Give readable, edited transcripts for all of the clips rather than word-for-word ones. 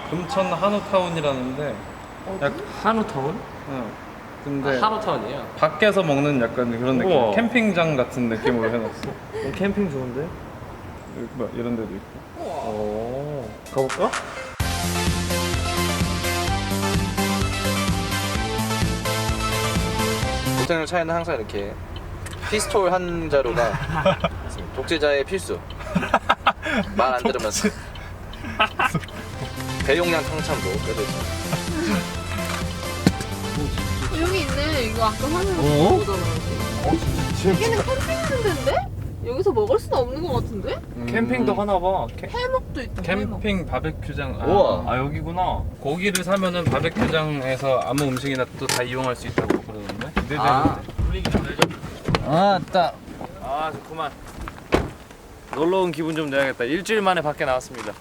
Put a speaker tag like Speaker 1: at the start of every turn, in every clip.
Speaker 1: 금천 한우타운이라는데.
Speaker 2: 한우타운?
Speaker 1: 응. 근데
Speaker 2: 한우타운이에요?
Speaker 1: 밖에서 먹는 약간 그런 느낌.
Speaker 2: 우와.
Speaker 1: 캠핑장 같은 느낌으로 해놨어.
Speaker 2: 캠핑 좋은데?
Speaker 1: 여기 뭐 이런 데도 있고.
Speaker 2: 오, 가볼까?
Speaker 3: 보통의 차에는 항상 이렇게 피스톨 한 자루가 독재자의 필수. 말 안 들으면 대용량 탕창도 껴져 있어.
Speaker 4: 여기 있네. 이거 아까 화면에서
Speaker 2: 어?
Speaker 4: 보잖아. 여기는 캠핑하는 데인데? 여기서 먹을 수는 없는 것 같은데?
Speaker 2: 캠핑도 하나봐.
Speaker 4: 해먹도 있다. 해먹.
Speaker 1: 캠핑 바베큐장.
Speaker 3: 우와.
Speaker 2: 아 여기구나.
Speaker 1: 고기를 사면은 바베큐장에서 아무 음식이나 또 다 이용할 수 있다고 그러던데.
Speaker 3: 아.
Speaker 1: 분위기 좀 내줘.
Speaker 2: 아따. 아 좋구만. 놀러온 기분 좀 내야겠다. 일주일 만에 밖에 나왔습니다.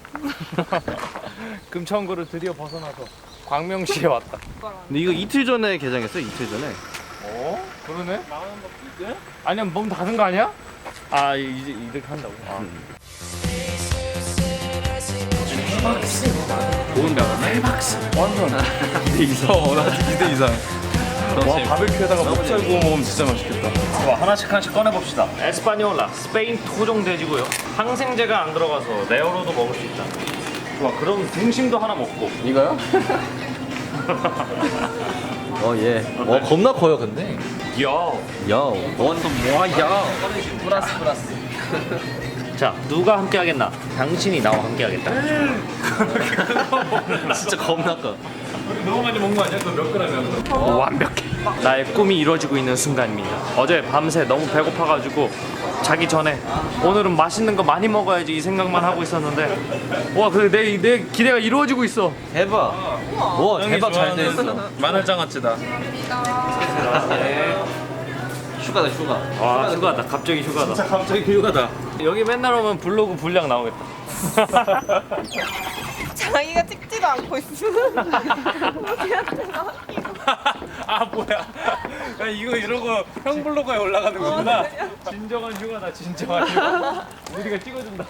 Speaker 2: 금천구를 드디어 벗어나서 광명시에 왔다.
Speaker 3: 근데 이거 이틀 전에 개장했어. 이틀 전에.
Speaker 2: 어? 그러네? 아니면 몸 닫은 거 아니야? 아 이제 이렇게 한다고. 아.
Speaker 3: 좋은데 않았나?
Speaker 2: 완전
Speaker 1: 2대 이상. 나 2대 이상. 와 바베큐에다가 목살 구워 먹으면 진짜 맛있겠다.
Speaker 2: 와 하나씩 꺼내봅시다. 에스파뇰라 스페인 토종 돼지고요. 항생제가 안 들어가서 레어로도 먹을 수 있다. 와 그럼 등심도 하나 먹고.
Speaker 3: 이거요? 예. 겁나 커요, 근데.
Speaker 2: 야.
Speaker 3: 원도 뭐야? 플러스.
Speaker 2: 자 누가 함께 하겠나? 당신이 나와 함께 하겠다.
Speaker 3: 진짜 겁나 커.
Speaker 1: 너무 많이 먹은 거 아니야? 그거 몇 그램이야?
Speaker 2: 완벽해. 나의 꿈이 이루어지고 있는 순간입니다. 어제 밤새 너무 배고파가지고 자기 전에 오늘은 맛있는 거 많이 먹어야지 이 생각만 하고 있었는데 와 근데 내 기대가 이루어지고 있어.
Speaker 3: 대박. 와, 대박 잘 돼 있어.
Speaker 1: 마늘장아찌다.
Speaker 3: 휴가다, 휴가.
Speaker 2: 와 휴가다. 갑자기 휴가다.
Speaker 3: 진짜 갑자기 휴가다.
Speaker 2: 여기 맨날 오면 블로그 분량 나오겠다.
Speaker 4: 자기가 찍지도 않고 있어.
Speaker 1: 아 뭐야? 야, 이거 이러고 형 블로그에 올라가는 거구나.
Speaker 2: 진정한 휴가다. 진정한 휴가. 우리가 찍어준다.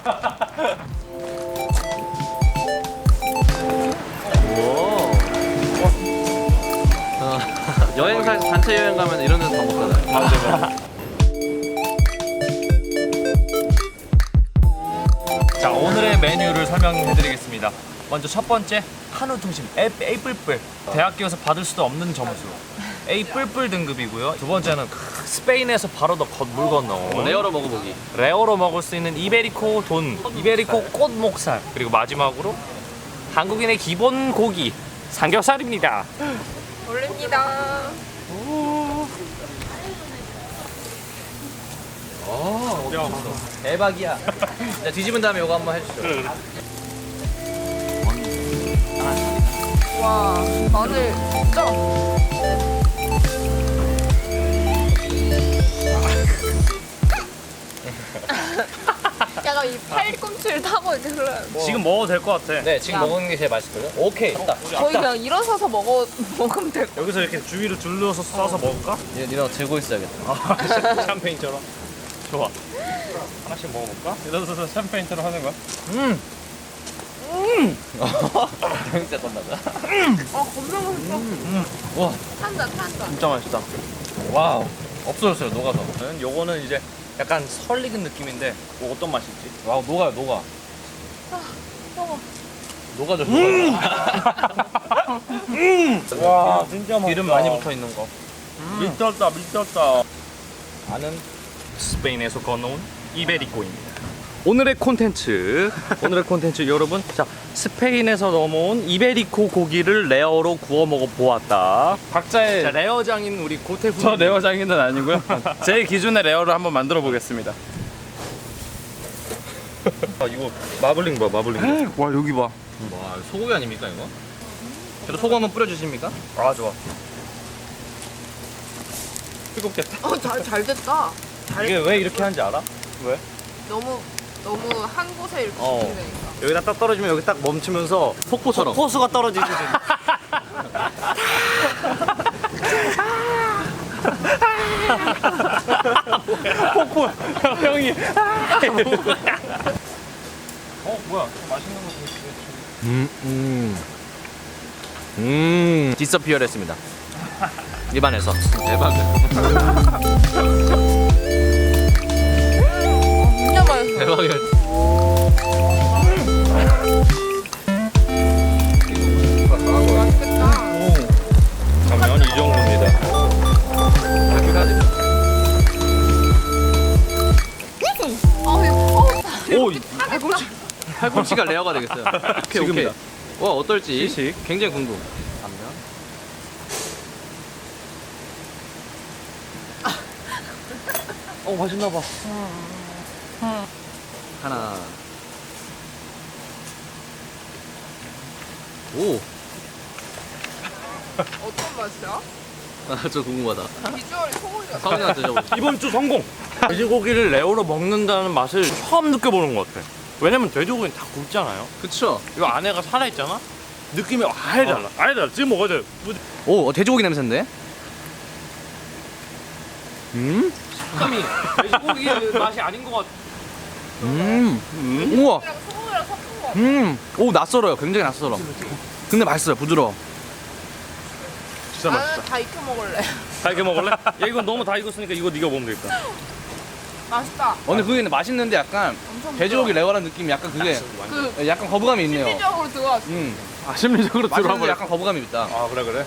Speaker 3: 여행사에서 단체 여행 가면 이런 데서 밥 먹잖아요.
Speaker 2: 맞아. 자 오늘의 메뉴를 설명해드리겠습니다. 먼저 첫 번째 한우 통심 A 뿔뿔. 대학교에서 받을 수도 없는 점수. A 뿔뿔 등급이고요. 두 번째는 스페인에서 바로 물 건너
Speaker 3: 레어로 먹어보기.
Speaker 2: 레어로 먹을 수 있는 이베리코 돈, 이베리코 꽃목살. 그리고 마지막으로 한국인의 기본 고기 삼겹살입니다.
Speaker 4: 올립니다.
Speaker 3: 대박이야. 자, 뒤집은 다음에 이거 한번 해주시죠.
Speaker 4: 와, 마늘 진짜. 약간 이 팔꿈치를 타고 이렇게 흘러요.
Speaker 2: 지금 먹어도 될 것 같아.
Speaker 3: 네, 지금
Speaker 4: 야.
Speaker 3: 먹는 게 제일 맛있거든요. 오케이, 됐다.
Speaker 4: 거의 그냥 일어서서 먹으면 될 것
Speaker 2: 여기서 이렇게 주위로 둘러서 싸서 먹을까?
Speaker 3: 니네 들고 있어야겠다.
Speaker 2: 아, 샴페인처럼. 좋아. 하나씩 먹어볼까?
Speaker 1: 이러면서 샴페인처럼 하는 거야?
Speaker 3: 진짜 건나다.
Speaker 4: 아, 겁나 맛있어.
Speaker 3: 와,
Speaker 4: 탄다.
Speaker 2: 진짜 맛있다.
Speaker 3: 와우. 없어졌어요, 녹아서.
Speaker 2: 요거는 이제 약간 설익은 느낌인데 뭐 어떤 맛일지.
Speaker 3: 와우, 녹아요, 녹아.
Speaker 4: 먹어.
Speaker 3: 녹아져,
Speaker 2: 와 진짜 맛있다.
Speaker 1: 기름 많이 붙어 있는 거.
Speaker 2: 미쳤다 미쳤다. 나는 스페인에서 건너온 이베리코입니다. 오늘의 콘텐츠 여러분, 자 스페인에서 넘어온 이베리코 고기를 레어로 구워 먹어 보았다.
Speaker 1: 각자의
Speaker 2: 자 레어장인 우리 고태훈.
Speaker 1: 저 레어장인은 아니고요. 제 기준의 레어를 한번 만들어 보겠습니다.
Speaker 2: 아 이거 마블링 봐 마블링.
Speaker 1: 와 여기 봐.
Speaker 3: 와, 소고기 아닙니까, 이거? 저도 소금 한번 뿌려주십니까?
Speaker 2: 아 좋아.
Speaker 4: 잘 됐다.
Speaker 2: 이게 왜 이렇게 하는지 알아? 왜?
Speaker 4: 너무 한 곳에 이렇게
Speaker 2: 어.
Speaker 4: 집중되니까.
Speaker 2: 여기다 딱 떨어지면 여기 딱 멈추면서
Speaker 3: 폭포처럼.
Speaker 2: 호수가 떨어지듯이. 폭포 형이.
Speaker 1: 어 뭐야? 맛있는 거 보이지?
Speaker 3: 디서피어했습니다. 입안에서. 대박.
Speaker 4: 진짜 맛있어.
Speaker 3: 대박이야.
Speaker 4: 맛있겠다.
Speaker 2: 가면 이 정도입니다.
Speaker 3: 오, 팔꿈치가 레어가 되겠어요. 오케이, 오케이. 와, 어떨지
Speaker 2: 시식.
Speaker 3: 굉장히 궁금. 반면.
Speaker 2: 맛있나 봐.
Speaker 3: 하나. 오,
Speaker 4: 어떤 맛이야?
Speaker 3: 저 궁금하다.
Speaker 4: 비주얼이 소울이야.
Speaker 3: 사원이한테 드셔보세요.
Speaker 2: 이번 주 성공! 돼지고기를 레오로 먹는다는 맛을 처음 느껴보는 것 같아. 왜냐면 돼지고기는 다 굵잖아요.
Speaker 3: 그쵸?
Speaker 2: 이거 안에가 살아있잖아? 느낌이 아예 달라. 아예 달라. 지금 먹어야 돼.
Speaker 3: 오, 돼지고기 냄새인데?
Speaker 2: 식감이 돼지고기 맛이 아닌 것 같아.
Speaker 3: 우와.
Speaker 4: 그냥 소울이랑 섞은 거.
Speaker 3: 오, 낯설어요. 굉장히 낯설어. 근데 맛있어요. 부드러워.
Speaker 2: 진짜
Speaker 4: 나는 다 익혀 먹을래.
Speaker 2: 다 이렇게 먹을래? 야, 이건 너무 다 익었으니까 이거 네가 먹으면 되겠다.
Speaker 4: 맛있다.
Speaker 3: 근데 그게 맛있는데 약간
Speaker 4: 엄청
Speaker 3: 돼지고기 레어라는 느낌이 약간 그게
Speaker 4: 그
Speaker 3: 약간 거부감이 있네요.
Speaker 4: 심리적으로 들어왔어.
Speaker 2: 심리적으로
Speaker 3: 맛있는데 약간 거부감이 있다.
Speaker 2: 아, 그래.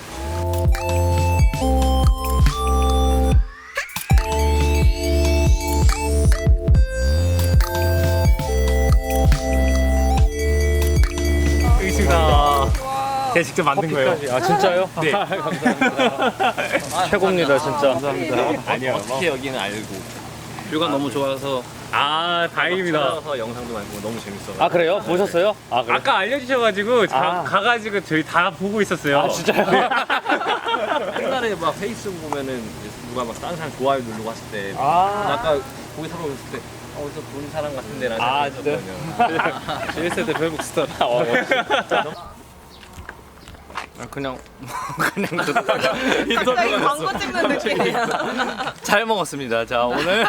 Speaker 2: 있습니다.
Speaker 4: 와.
Speaker 2: 제가 직접 만든 거예요. 아, 진짜요? 네. 감사합니다. 최고입니다, 진짜. 감사합니다. 아니요.
Speaker 3: 어떻게 여기는 알고. 뷰가 너무 좋아서
Speaker 2: 아, 다행입니다.
Speaker 3: 따라서 영상도 많이 보고 너무 재밌어.
Speaker 2: 아, 그래요? 보셨어요? 아, 그래? 아까 알려주셔가지고 가가지고 저희 다 보고 있었어요. 아, 진짜요?
Speaker 3: 옛날에 막 페이스북 보면은 누가 막 다른 사람 좋아요 누르고 했을 때 아까 고기 사러 갔을 때 어디서 본 사람 같은데 라는
Speaker 2: 아,
Speaker 3: 생각이
Speaker 2: 진짜요? 1세대 페이북 스타. 그냥
Speaker 4: 갑자기 광고 찍는 느낌이야.
Speaker 2: 잘 먹었습니다. 자, 오늘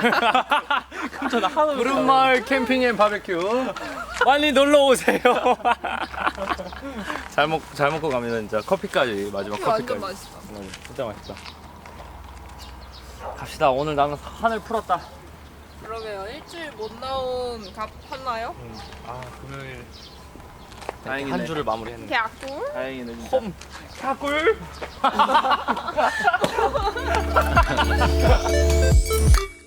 Speaker 2: 구름마을 캠핑 앤 바베큐 빨리 놀러 오세요. 잘 먹고 가면 진짜 커피까지 마지막
Speaker 4: 완전
Speaker 2: 커피까지.
Speaker 4: 맛있어.
Speaker 2: 진짜 맛있다. 갑시다. 오늘 나는 한을 풀었다.
Speaker 4: 그러게요. 일주일 못 나온 값 팠나요?
Speaker 2: 아, 금요일
Speaker 3: 다행이네.
Speaker 2: 한 주를 마무리했는데.
Speaker 4: 개꿀?
Speaker 3: 다행이네 진짜.
Speaker 2: 홈 사꿀.